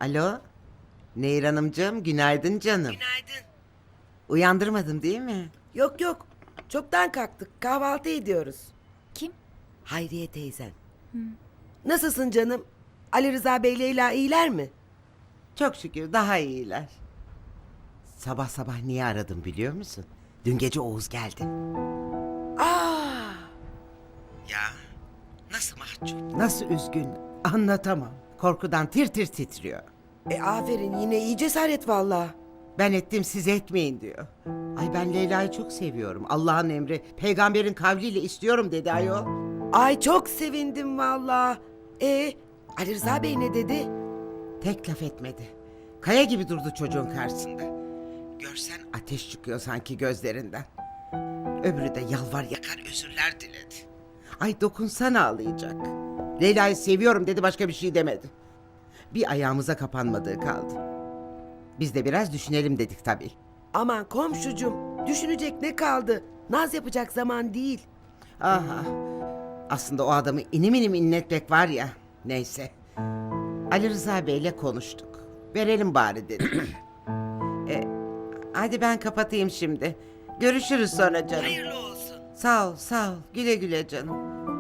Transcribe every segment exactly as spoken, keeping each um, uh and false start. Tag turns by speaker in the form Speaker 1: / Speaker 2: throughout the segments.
Speaker 1: Alo, Nehir Hanımcığım, günaydın canım.
Speaker 2: Günaydın.
Speaker 1: Uyandırmadım değil mi?
Speaker 2: Yok yok. Çoktan kalktık. Kahvaltı ediyoruz.
Speaker 3: Kim?
Speaker 2: Hayriye teyzen. Nasılsın canım? Ali Rıza Bey Leyla iyiler mi?
Speaker 1: Çok şükür daha iyiler. Sabah sabah niye aradım biliyor musun? Dün gece Oğuz geldi.
Speaker 2: Aa,
Speaker 1: Ya, nasıl mahcup, nasıl üzgün anlatamam. Korkudan tir tir titriyor.
Speaker 2: e aferin yine iyi cesaret valla.
Speaker 1: Ben ettim siz etmeyin diyor. Ay ben Leyla'yı çok seviyorum. Allah'ın emri, peygamberin kavliyle istiyorum dedi ayol.
Speaker 2: Ay çok sevindim valla. E Ali Rıza Bey ne dedi?
Speaker 1: Tek laf etmedi. Kaya gibi durdu çocuğun karşısında. Görsen ateş çıkıyor sanki gözlerinden. Öbürü de yalvar yakar özürler diledi. Ay dokunsana ağlayacak. Leyla'yı seviyorum dedi, başka bir şey demedi. Bir ayağımıza kapanmadığı kaldı. Biz de biraz düşünelim dedik tabii.
Speaker 2: Aman komşucum düşünecek ne kaldı? Naz yapacak zaman değil.
Speaker 1: Aha. Aslında o adamı inim inim inletmek var ya. Neyse. Ali Rıza Bey'le konuştuk. Verelim bari dedik. e, hadi ben kapatayım şimdi. Görüşürüz sonra canım.
Speaker 2: Hayırlı olsun.
Speaker 1: Sağ ol, sağ ol. Güle güle canım.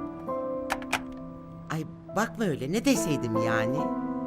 Speaker 1: Ay bakma öyle, ne deseydim yani?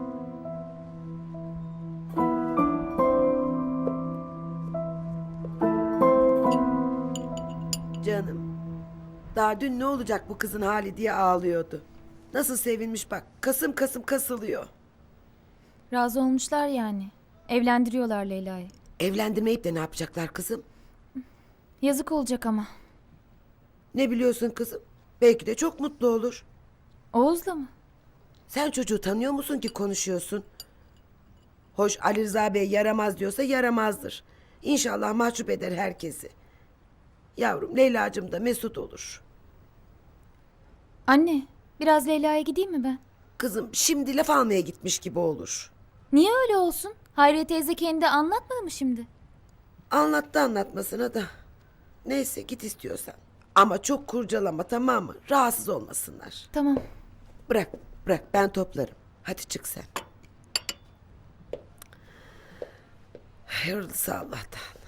Speaker 2: Canım. Daha dün ne olacak bu kızın hali diye ağlıyordu. Nasıl sevinmiş bak. Kasım kasım kasılıyor.
Speaker 3: Razı olmuşlar yani. Evlendiriyorlar Leyla'yı.
Speaker 2: Evlendirmeyip de ne yapacaklar kızım?
Speaker 3: Yazık olacak ama.
Speaker 2: Ne biliyorsun kızım? Belki de çok mutlu olur.
Speaker 3: Oğuz'la mı?
Speaker 2: Sen çocuğu tanıyor musun ki konuşuyorsun? Hoş Ali Rıza Bey yaramaz diyorsa yaramazdır. İnşallah mahcup eder herkesi. Yavrum Leyla'cığım da mesut olur.
Speaker 3: Anne, biraz Leyla'ya gideyim mi ben?
Speaker 2: Kızım şimdi laf almaya gitmiş gibi olur.
Speaker 3: Niye öyle olsun? Hayriye teyze kendi anlatmadı mı şimdi?
Speaker 2: Anlattı anlatmasına da. Neyse git istiyorsan. Ama çok kurcalama tamam mı? Rahatsız olmasınlar.
Speaker 3: Tamam.
Speaker 2: Bırak bırak ben toplarım. Hadi çık sen. Hayırlısı Allah'tan.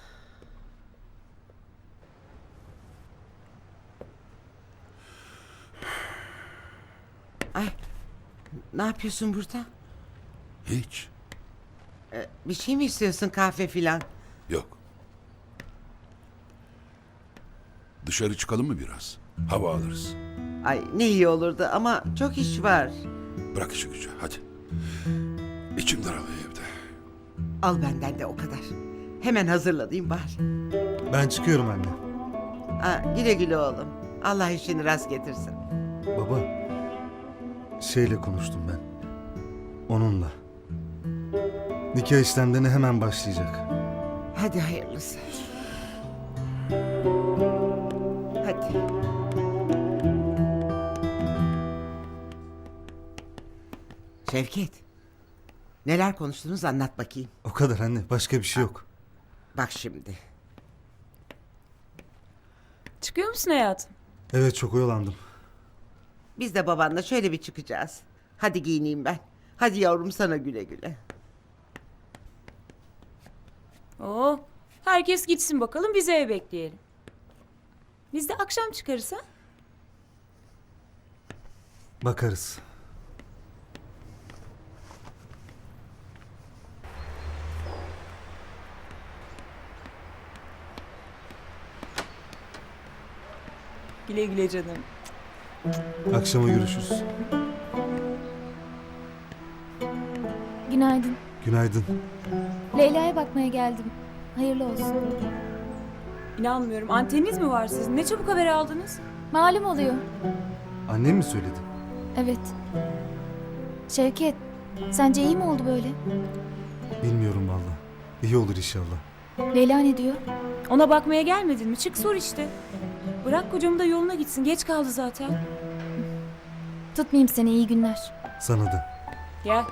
Speaker 1: Ay, ne yapıyorsun burada?
Speaker 4: Hiç.
Speaker 1: Ee, bir şey mi istiyorsun, kahve filan?
Speaker 4: Yok. Dışarı çıkalım mı biraz? Hava alırız.
Speaker 1: Ay ne iyi olurdu ama çok iş var.
Speaker 4: Bırak işi gücü hadi. İçim daralıyor evde.
Speaker 1: Al benden de o kadar. Hemen hazırlayayım bari.
Speaker 5: Ben çıkıyorum anne.
Speaker 1: Ha, güle güle oğlum. Allah işini rast getirsin.
Speaker 5: Baba, şeyle konuştum ben. Onunla. Nikah işlemlerine hemen başlayacak.
Speaker 1: Hadi hayırlısı. Hadi. Şevket. Neler konuştunuz anlat bakayım.
Speaker 5: O kadar anne, başka bir şey yok.
Speaker 1: Bak şimdi.
Speaker 6: Çıkıyor musun hayatım?
Speaker 5: Evet, çok oyalandım.
Speaker 1: Biz de babanla şöyle bir çıkacağız. Hadi giyineyim ben. Hadi yavrum sana güle güle.
Speaker 6: Oo, herkes gitsin bakalım bizi ev bekleyelim. Biz de akşam çıkarız ha?
Speaker 5: Bakarız.
Speaker 6: Güle güle canım.
Speaker 5: Akşama görüşürüz.
Speaker 3: Günaydın.
Speaker 5: Günaydın.
Speaker 3: Leyla'ya bakmaya geldim. Hayırlı olsun.
Speaker 6: İnanmıyorum. Anteniniz mi var sizin? Ne çabuk haber aldınız?
Speaker 3: Malum oluyor.
Speaker 5: Annem mi söyledi?
Speaker 3: Evet. Şevket, sence iyi mi oldu böyle?
Speaker 5: Bilmiyorum valla. İyi olur inşallah.
Speaker 3: Leyla ne diyor?
Speaker 6: Ona bakmaya gelmedin mi? Çık sor işte. Bırak kocamı da yoluna gitsin. Geç kaldı zaten.
Speaker 3: Tutmayayım seni, iyi günler.
Speaker 5: Sana da.
Speaker 6: Gel.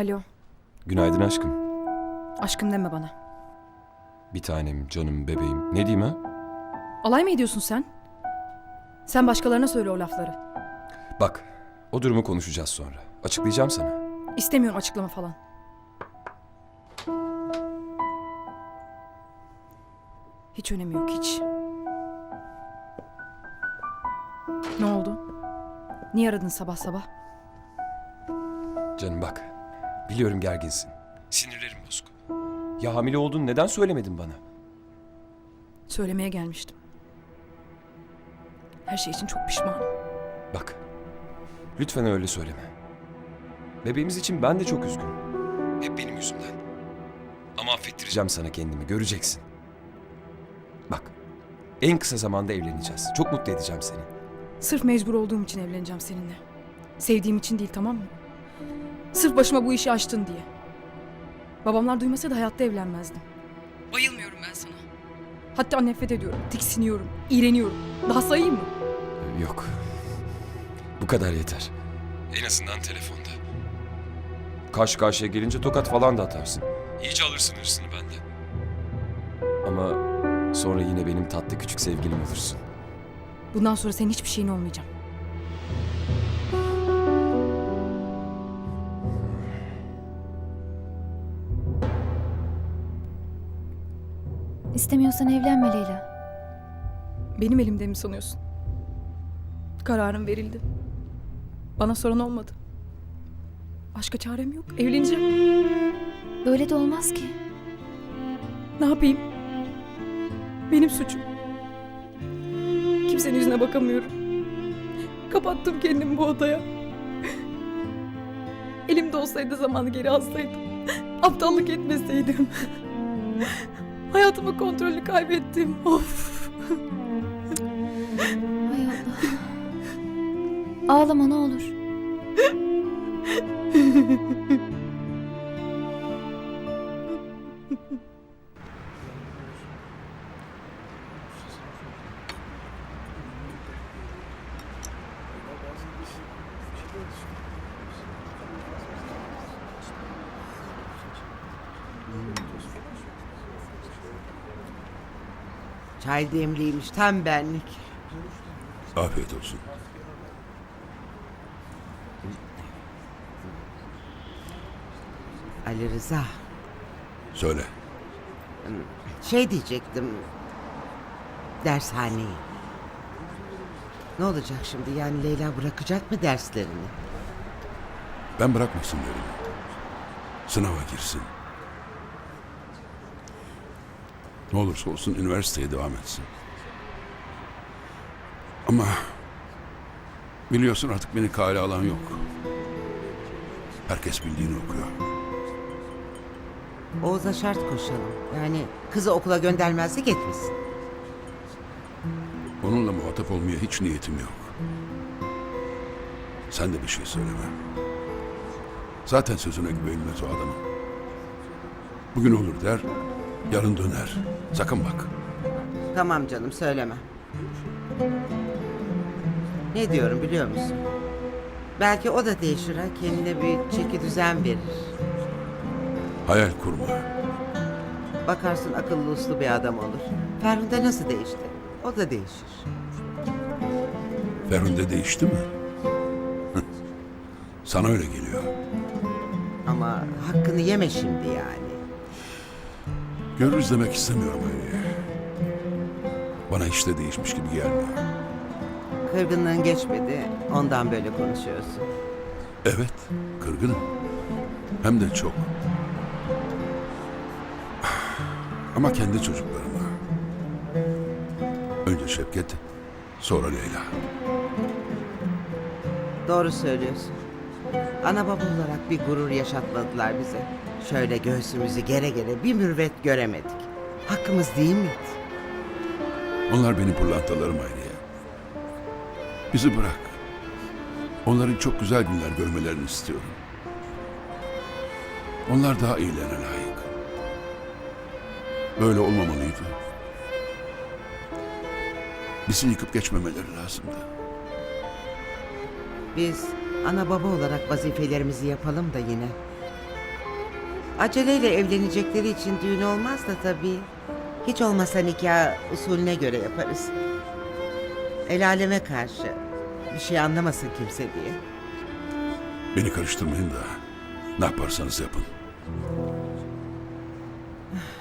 Speaker 7: Alo,
Speaker 8: Günaydın aşkım.
Speaker 7: aşkım deme bana.
Speaker 8: Bir tanem, canım, bebeğim. Ne diyeyim ha?
Speaker 7: Alay mı ediyorsun sen? Sen başkalarına söyle o lafları.
Speaker 8: Bak, o durumu konuşacağız sonra. Açıklayacağım sana.
Speaker 7: İstemiyorum açıklama falan. Hiç önemi yok, hiç. Ne oldu? Niye aradın sabah sabah?
Speaker 8: Canım bak, biliyorum gerginsin. Sinirlerim bozuk. Ya hamile olduğunu neden söylemedin bana?
Speaker 7: Söylemeye gelmiştim. Her şey için çok pişmanım.
Speaker 8: Bak, lütfen öyle söyleme. Bebeğimiz için ben de çok üzgünüm. Hep benim yüzümden. Ama affettireceğim sana kendimi, göreceksin. Bak, en kısa zamanda evleneceğiz. Çok mutlu edeceğim seni.
Speaker 7: Sırf mecbur olduğum için evleneceğim seninle. Sevdiğim için değil, tamam mı? Sırf başıma bu işi açtın diye. Babamlar duymasa da hayatta evlenmezdim. Bayılmıyorum ben sana. Hatta nefret ediyorum, tiksiniyorum, iğreniyorum. Daha sayayım mı?
Speaker 8: Yok. Bu kadar yeter. En azından telefonda. Karşı karşıya gelince tokat falan da atarsın. İyice alırsın hırsını benden. Ama sonra yine benim tatlı küçük sevgilim olursun.
Speaker 7: Bundan sonra senin hiçbir şeyin olmayacağım.
Speaker 3: İstemiyorsan evlenme Leyla.
Speaker 7: Benim elimde mi sanıyorsun? Kararım verildi. Bana soran olmadı. Başka çarem yok. Evleneceğim.
Speaker 3: Böyle de olmaz ki.
Speaker 7: Ne yapayım? Benim suçum. Kimsenin yüzüne bakamıyorum. Kapattım kendimi bu odaya. Elimde olsaydı zamanı geri alsaydım. Aptallık etmeseydim. Hayatımın kontrolünü kaybettim. Of.
Speaker 3: Hay Allah. Ağlama ne olur.
Speaker 1: Çay demliymiş tam benlik.
Speaker 4: Afiyet olsun.
Speaker 1: Ali Rıza,
Speaker 4: Söyle.
Speaker 1: şey diyecektim. Dershaneyi. Ne olacak şimdi? Yani Leyla bırakacak mı derslerini?
Speaker 4: Ben bırakmasın derim. Sınava girsin. Ne olursa olsun üniversiteye devam etsin. Ama biliyorsun artık beni kale alan yok. Herkes bildiğini okuyor.
Speaker 1: Oğuz'a şart koşalım. Yani kızı okula göndermezsek etmesin.
Speaker 4: Onunla muhatap olmaya hiç niyetim yok. Sen de bir şey söyleme. Zaten sözüne güvenilmez o adamın. Bugün olur der, yarın döner. Sakın bak.
Speaker 1: Tamam canım söyleme. Ne diyorum biliyor musun? Belki o da değişir ha. Kendine bir çeki düzen verir.
Speaker 4: Hayal kurma.
Speaker 1: Bakarsın akıllı uslu bir adam olur. Ferhunde nasıl değişti? O da değişir.
Speaker 4: Ferhunde değişti mi? Sana öyle geliyor.
Speaker 1: Ama hakkını yeme şimdi yani.
Speaker 4: Görürüz demek istemiyorum öyle. Bana hiç de değişmiş gibi gelmiyor.
Speaker 1: Kırgınlığın geçmedi. Ondan böyle konuşuyorsun.
Speaker 4: Evet, kırgınım. Hem de çok. Ama kendi çocuklarıma. Önce Şevket, sonra Leyla.
Speaker 1: Doğru söylüyorsun. Ana baba olarak bir gurur yaşatmadılar bize. Şöyle göğsümüzü gere gere bir mürvet göremedik. Hakkımız değil miydi?
Speaker 4: Onlar benim pırlantalarım Hayriye. Bizi bırak. Onların çok güzel günler görmelerini istiyorum. Onlar daha iyilerine layık. Böyle olmamalıydı. Bizi yıkıp geçmemeleri lazımdı.
Speaker 1: Biz ana baba olarak vazifelerimizi yapalım da yine. Aceleyle evlenecekleri için düğün olmaz da tabii. Hiç olmasa nikah usulüne göre yaparız. El aleme karşı bir şey anlamasın kimse diye.
Speaker 4: Beni karıştırmayın da ne yaparsanız yapın.